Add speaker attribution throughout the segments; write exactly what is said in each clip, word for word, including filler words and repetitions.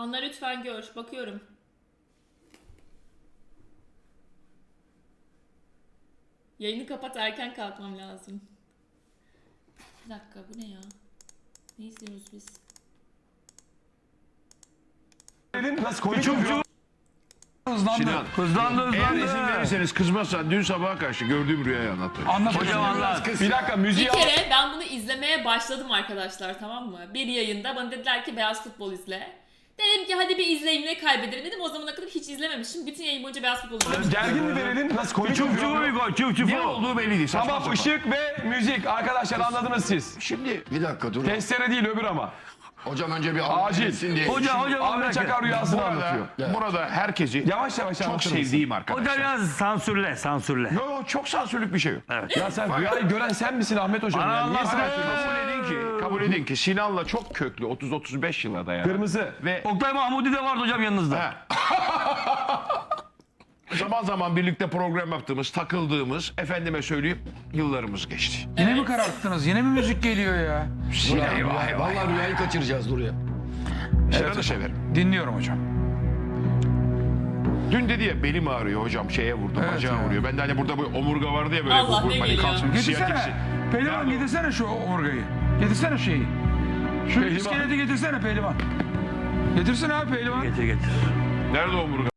Speaker 1: Anla lütfen gör. Bakıyorum. Yayını kapat, erken kalkmam lazım. Bir dakika, bu ne ya? Ne izliyoruz biz?
Speaker 2: Nasıl koyuyor? Hızlandı.
Speaker 3: Sinan,
Speaker 4: Hızlandı
Speaker 3: eğer
Speaker 4: hızlandı.
Speaker 3: izin verirseniz kızmazsan dün sabaha karşı gördüğüm rüyayı anlatayım.
Speaker 2: Anlat
Speaker 4: Hocam anlat.
Speaker 2: Bir dakika müziği
Speaker 1: Bir
Speaker 2: al.
Speaker 1: kere ben bunu izlemeye başladım arkadaşlar, tamam mı? Bir yayında bana dediler ki beyaz futbol izle. Dedim ki hadi bir izleyeyim, ne kaybederim dedim. O zamana kadar hiç izlememişim. Bütün yayın boyunca beyaz futbol izlemişim.
Speaker 2: Gergin mi verelim? Nasıl koyuyor?
Speaker 4: Çuf çufu bir gol, çuf çufu.
Speaker 3: Ne olduğu belli değil. Saçma
Speaker 2: Tamam,
Speaker 3: sapan.
Speaker 2: ışık ve müzik. Arkadaşlar anladınız siz.
Speaker 3: Şimdi
Speaker 5: Bir dakika dur.
Speaker 2: Testere değil, öbür ama.
Speaker 5: Hocam önce bir
Speaker 2: Acil.
Speaker 5: Acil. diye.
Speaker 4: Hoca hocam
Speaker 2: Ahmet Çakar rüyasını
Speaker 3: burada,
Speaker 2: anlatıyor.
Speaker 3: burada herkesi
Speaker 2: Yavaş yavaş
Speaker 3: çok
Speaker 2: anlatır mısın?
Speaker 3: sevdiğim arkadaşlar.
Speaker 4: Hocam yalnız sansürle, sansürle.
Speaker 3: Yo, yo, çok sansürlük bir şey yok.
Speaker 2: Ya sen rüyayı gören sen misin Ahmet Hocam?
Speaker 4: Bana
Speaker 2: Ya? Niye
Speaker 4: anlatma.
Speaker 2: sansürlüyorsun?
Speaker 3: Kabul edin ki, kabul edin ki Sinan'la çok köklü otuz otuz beş yıla dayanan.
Speaker 2: Kırmızı.
Speaker 3: Ve
Speaker 4: Oktay Mahmudi de vardı hocam yanınızda.
Speaker 3: zaman zaman birlikte program yaptığımız, takıldığımız, efendime söyleyeyim, yıllarımız geçti.
Speaker 6: Yine mi kararttınız? Yine mi müzik geliyor ya?
Speaker 3: Sinan, eyvah, eyvah.
Speaker 5: Vallahi rüyayı kaçıracağız dur ya.
Speaker 3: Sinan'ı severim.
Speaker 6: Dinliyorum hocam.
Speaker 3: Dün dedi ya belim ağrıyor hocam, şeye vurdu,
Speaker 6: Evet
Speaker 3: bacağı
Speaker 6: ya.
Speaker 3: vuruyor. Ben de hani burada bu omurga vardı ya böyle.
Speaker 1: Allah,
Speaker 3: bu,
Speaker 1: ne
Speaker 3: hani
Speaker 1: geliyor?
Speaker 3: kalsın,
Speaker 6: Getirsene.
Speaker 3: siyatiksi.
Speaker 6: Pehlivan
Speaker 3: Nerede o?
Speaker 6: getirsene şu omurgayı. Getirsene şeyi. Şu
Speaker 2: Pehlivan.
Speaker 6: iskeleti getirsene pehlivan. Getirsene abi pehlivan.
Speaker 4: Getir getir.
Speaker 3: Nerede omurga?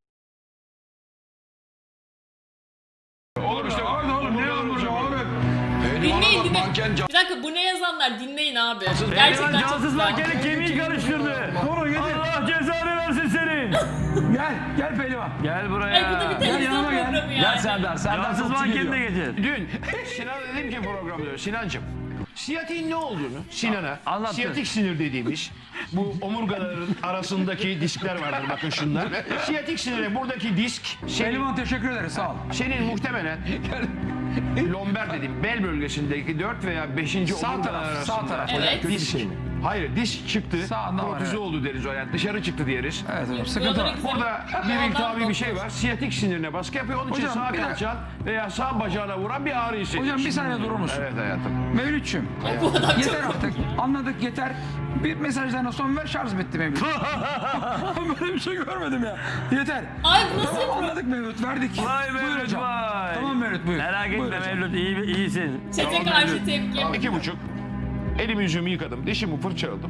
Speaker 3: Oğlum işte
Speaker 6: Orada oğlum ne omurga oğlum?
Speaker 1: Dinleyin, dinleyin.
Speaker 5: Manken can.
Speaker 1: Bir dakika, bu ne yazanlar? Dinleyin abi.
Speaker 4: Pehlivan
Speaker 1: Gerçekten çok
Speaker 4: cansız
Speaker 1: güzel.
Speaker 4: mankenin kemiği karıştırdı.
Speaker 6: Doğru getir.
Speaker 4: Allah cezanı versin senin.
Speaker 6: Gel gel pehlivan.
Speaker 4: Gel
Speaker 1: Ay, bu da
Speaker 4: buraya.
Speaker 1: bir televizyon
Speaker 6: yanıma gel.
Speaker 1: programı yani.
Speaker 2: Gel Serdar. Serdar
Speaker 4: Cansız
Speaker 2: topçu
Speaker 4: mankeni de
Speaker 2: geliyor.
Speaker 4: getir.
Speaker 3: dün Sinan'a dedim ki programda, Sinancığım, siyatiğin ne olduğunu Sinan'a,
Speaker 4: Anlattı.
Speaker 3: siyatik sinir dediğimiz bu omurgaların arasındaki diskler vardır, bakın şunlar. Siyatik sinire buradaki disk senin,
Speaker 6: Pehlivan teşekkür ederiz sağ ol.
Speaker 3: senin muhtemelen lomber dediğim bel bölgesindeki dört veya beşinci
Speaker 6: Sağ
Speaker 3: omurgalar
Speaker 6: taraf,
Speaker 3: arasında.
Speaker 6: sağ taraf.
Speaker 1: Evet.
Speaker 2: Kötü bir şey mi?
Speaker 3: Hayır, disk çıktı,
Speaker 6: Sağında var,
Speaker 3: protuze
Speaker 6: evet.
Speaker 3: oldu deriz o, yani dışarı çıktı diyeriz.
Speaker 6: Evet hocam sıkıntı var.
Speaker 3: Burada bir iltihabi bir şey var. Siyatik sinirine baskı yapıyor. Onun için
Speaker 6: Hocam,
Speaker 3: sağ
Speaker 6: bir de-
Speaker 3: kalçan veya sağ bacağına vuran bir ağrı hissediyor.
Speaker 6: Hocam bir saniye durur musun?
Speaker 3: Evet hayatım.
Speaker 6: Mevlütçüm.
Speaker 1: Bu adam çok
Speaker 6: Yeter artık. Anladık yeter. Bir mesajlarına son ver şarj bitti Mevlüt. Böyle bir şey görmedim ya. Yeter.
Speaker 1: Ay, bu nasıl
Speaker 6: Tamam
Speaker 1: bir
Speaker 6: anladık Mevlüt verdik.
Speaker 4: Vay
Speaker 6: Buyur
Speaker 4: Mevlüt
Speaker 6: hocam.
Speaker 4: vay.
Speaker 6: Tamam Mevlüt buyur.
Speaker 4: Merak
Speaker 6: Buyur
Speaker 4: etme
Speaker 6: hocam.
Speaker 4: Mevlüt iyi, iyisin.
Speaker 1: çete karşı tepki.
Speaker 3: İki buçuk. Elimi yüzümü yıkadım. Dişimi fırçaladım.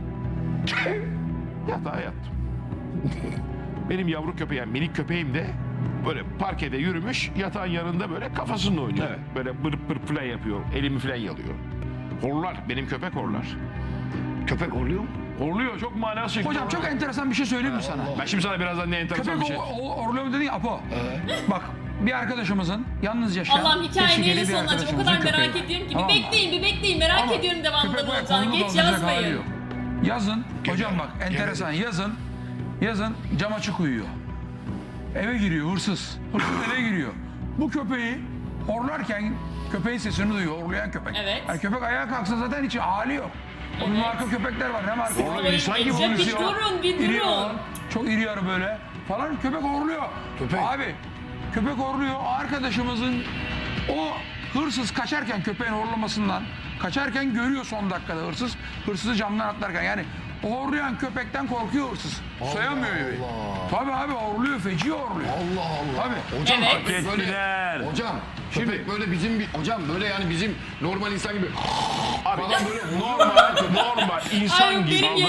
Speaker 3: Yatağa yattım. Benim yavru köpeğim, minik köpeğim de böyle parkede yürümüş, yatağın yanında böyle kafasını oynuyor. Böyle bırp bırp falan yapıyor. Elimi falan yalıyor. Horlar. Benim köpek horlar.
Speaker 5: Köpek horluyor mu?
Speaker 3: Horluyor. Çok manası şekilde.
Speaker 6: Hocam çok enteresan bir şey söyleyeyim mi sana?
Speaker 3: Ben şimdi sana birazdan ne enteresan
Speaker 6: Köpek
Speaker 3: bir şey...
Speaker 6: o, o, orluyor dedin ya Apo. Bak bir arkadaşımızın yalnız yaşayan
Speaker 1: Allah'ım hikaye
Speaker 6: teşhireli
Speaker 1: neyle
Speaker 6: bir
Speaker 1: sonlanacak? O
Speaker 6: arkadaşımızın
Speaker 1: kadar merak
Speaker 6: köpeği.
Speaker 1: ediyorum ki.
Speaker 6: Tamam
Speaker 1: Bir
Speaker 6: mı?
Speaker 1: bekleyin, bir bekleyin. Merak
Speaker 6: Ama
Speaker 1: ediyorum devamında
Speaker 6: köpek
Speaker 1: ne
Speaker 6: böyle
Speaker 1: olacağını.
Speaker 6: kolunu
Speaker 1: Geç
Speaker 6: dolduracak hali
Speaker 1: yazmayın.
Speaker 6: yok. Yazın, hocam bak enteresan yazın, yazın cam açık uyuyor. Eve giriyor hırsız. Hırsız eve giriyor. Bu köpeği horlarken köpeğin sesini duyuyor, horlayan köpek.
Speaker 1: Evet.
Speaker 6: Yani köpek ayağa kalksa zaten hiç hali yok. O bir marka köpekler var, ne marka?
Speaker 3: Horluyor, insan gibi
Speaker 1: Ya bir
Speaker 3: konuşuyor.
Speaker 1: durun, bir
Speaker 6: İri
Speaker 1: durun.
Speaker 6: olan, çok iri yarı böyle falan köpek horluyor.
Speaker 5: Köpek.
Speaker 6: Abi köpek horluyor. Arkadaşımızın o hırsız kaçarken köpeğin horlamasından kaçarken görüyor son dakikada hırsız. Hırsızı camdan atlarken yani o horlayan köpekten korkuyor hırsız. Soyamıyor evi. Tabii abi horluyor, feci horluyor.
Speaker 5: Allah Allah.
Speaker 6: Tabii.
Speaker 5: Hocam
Speaker 1: Evet.
Speaker 5: köpek böyle...
Speaker 4: Ettiler.
Speaker 5: Hocam köpek böyle bizim bir... Hocam böyle yani bizim normal insan gibi...
Speaker 3: Abi
Speaker 5: Falan böyle...
Speaker 3: normal, normal insan
Speaker 1: Ay,
Speaker 3: gibi.
Speaker 1: benim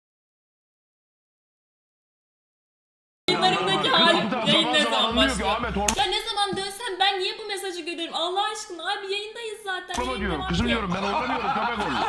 Speaker 1: yayınlarımdaki halim
Speaker 3: Zaman
Speaker 1: yayın ne
Speaker 3: zaman
Speaker 1: zaman
Speaker 3: anlıyor ki
Speaker 1: başlıyor?
Speaker 3: Ahmet horlama
Speaker 1: Ya ne zaman dönsem ben niye bu mesajı görüyorum? Allah aşkına abi yayındayız zaten. yayın
Speaker 3: diyorum.
Speaker 1: devam
Speaker 3: Kızım
Speaker 1: ediyor.
Speaker 3: diyorum ben horlamıyorum, köpek horluyor.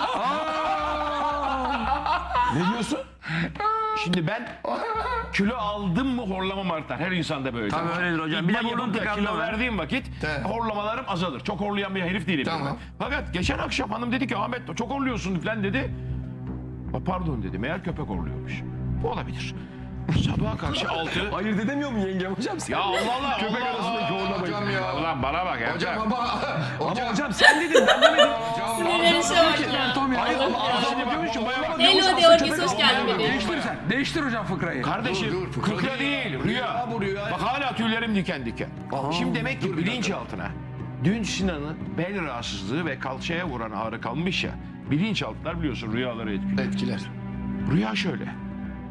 Speaker 2: Ne diyorsun?
Speaker 3: Şimdi ben kilo aldım mı horlamam artar. Her insanda böyle.
Speaker 4: Tabii öyledir hocam. Bir de
Speaker 3: İdman
Speaker 4: burnun
Speaker 3: yapıp da
Speaker 4: tıkandı
Speaker 3: kilo
Speaker 4: mı?
Speaker 3: verdiğim vakit
Speaker 5: Evet.
Speaker 3: horlamalarım azalır. Çok horlayan bir herif değilim.
Speaker 5: Tamam.
Speaker 3: ben. Fakat geçen akşam hanım dedi ki Ahmet çok horluyorsun falan dedi. "Aa, pardon dedi. Meğer köpek horluyormuş. Bu olabilir. Sabaha karşı altı.
Speaker 2: Ayırt edemiyor mu yengem hocam sen?
Speaker 3: Ya Allah Allah.
Speaker 2: Köpek
Speaker 3: Allah
Speaker 2: arasındaki
Speaker 3: Allah.
Speaker 2: horlamayı.
Speaker 5: Hocam ya.
Speaker 3: Ulan bana bak ya.
Speaker 5: Hocam ama...
Speaker 2: Ama
Speaker 5: Hocam...
Speaker 2: hocam sen dedin ben demedim.
Speaker 1: Sinirleri şey bak ya.
Speaker 6: Tom ya.
Speaker 2: Hayır ama
Speaker 1: Allah
Speaker 2: arada
Speaker 1: ya.
Speaker 2: diyormuş ki bayağı bak.
Speaker 1: Hello de Orgis, hoş geldin bebeğim.
Speaker 6: Değiştir sen. Değiştir hocam fıkrayı.
Speaker 3: Kardeşim
Speaker 5: Dur, dur, fıkra
Speaker 3: fıkra
Speaker 5: değil.
Speaker 3: değil,
Speaker 5: Rüya
Speaker 3: rüya.
Speaker 5: bu, rüya.
Speaker 3: Bak hala tüylerim diken diken. Şimdi demek ki bilinçaltına dün Sinan'ın bel rahatsızlığı ve kalçaya vuran ağrı kalmış ya. Bilinçaltılar biliyorsun rüyaları etkiliyor.
Speaker 5: Etkiler.
Speaker 3: Rüya şöyle.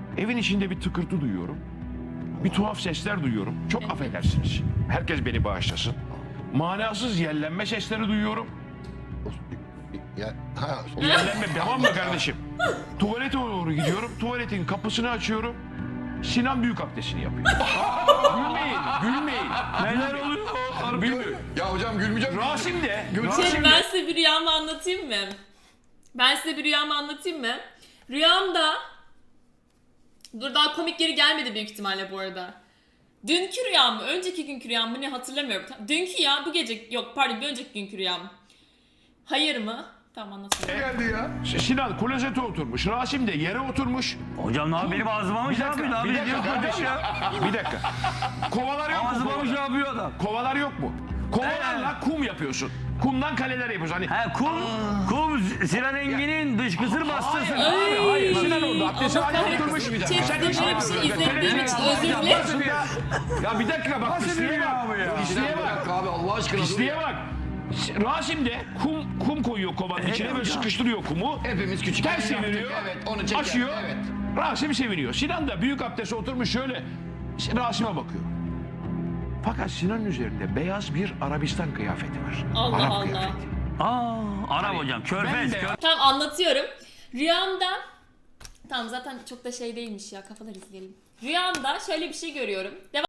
Speaker 3: Evin içinde bir tıkırtı duyuyorum. Bir tuhaf sesler duyuyorum. Çok affedersiniz. Herkes beni bağışlasın. Manasız yellenme sesleri duyuyorum.
Speaker 5: Ya, ha,
Speaker 3: Yellenme tamam mı kardeşim? Tuvalete doğru gidiyorum. Tuvaletin kapısını açıyorum. Sinan büyük abdestini yapıyor. Gülmeyin, gülmeyin.
Speaker 4: Neler oluyor?
Speaker 3: Bilmiyorum.
Speaker 5: ya hocam gülmeyecek misin?
Speaker 3: Rasim de,
Speaker 1: Şey,
Speaker 3: Rasim
Speaker 1: ben
Speaker 3: de.
Speaker 1: size bir rüyamı anlatayım mı? Ben size bir rüyamı anlatayım mı? Rüyamda... Dur daha komik yeri gelmedi büyük ihtimalle bu arada. Dünkü rüyam mı? Önceki günkü rüyam mı? Ne hatırlamıyorum. Dünkü ya bu gece... Yok pardon bir önceki günkü rüyam. Hayır mı? Tamam anlatıyorum.
Speaker 5: Geldi ya.
Speaker 3: Sinan klozete oturmuş. Rasim de yere oturmuş.
Speaker 4: Hocam ne yapıyor? Benim ağzıma mı
Speaker 3: Bir
Speaker 4: şey
Speaker 3: dakika,
Speaker 4: yapıyor?
Speaker 3: bir
Speaker 4: Abi
Speaker 3: dakika
Speaker 4: diyor
Speaker 3: kardeşim.
Speaker 4: hocam ya.
Speaker 3: Bir dakika. Kovalar yok mu?
Speaker 4: Ağzıma mı şey
Speaker 3: Kovalar,
Speaker 4: yapıyor adam?
Speaker 3: kovalar yok mu? Kovalarla kum yapıyorsun. Kumdan kaleler yapıyorsun. Hani
Speaker 4: He kum, kum Sinan Engin'in dışkısır bastırırsın.
Speaker 3: Hayır, hayır. Sinan orada abdesti
Speaker 1: Allah
Speaker 3: hala oturmuş.
Speaker 1: kahretsin.
Speaker 3: Bir
Speaker 1: Chat'te
Speaker 3: Sen
Speaker 1: böyle
Speaker 3: hiç
Speaker 1: bir şey izlediğim için özür dilerim.
Speaker 3: Aslında- Ya bir dakika bak pisliğe bak. Pisliğe
Speaker 5: Bir
Speaker 3: bak.
Speaker 5: dakika abi Allah aşkına. dur
Speaker 3: Pisliğe
Speaker 5: ya.
Speaker 3: bak. Rasim de kum kum koyuyor kovanın içine böyle sıkıştırıyor kumu.
Speaker 5: Hepimiz küçük.
Speaker 3: Ters
Speaker 5: yaptık,
Speaker 3: çeviriyor.
Speaker 5: Evet onu çeker.
Speaker 3: Açıyor.
Speaker 5: Evet.
Speaker 3: Rasim seviniyor. Sinan da büyük abdeste oturmuş şöyle Rasim'e bakıyor. Fakat Sinan'ın üzerinde beyaz bir Arabistan kıyafeti var.
Speaker 1: Allah
Speaker 3: Arap
Speaker 1: Allah.
Speaker 3: kıyafeti.
Speaker 4: Aa, Arap hocam. Körfez.
Speaker 3: Ben de-
Speaker 4: Körfez.
Speaker 1: Tamam anlatıyorum. Rüyamda... Tamam zaten çok da şey değilmiş ya kafalar izleyelim. Rüyamda şöyle bir şey görüyorum. Devam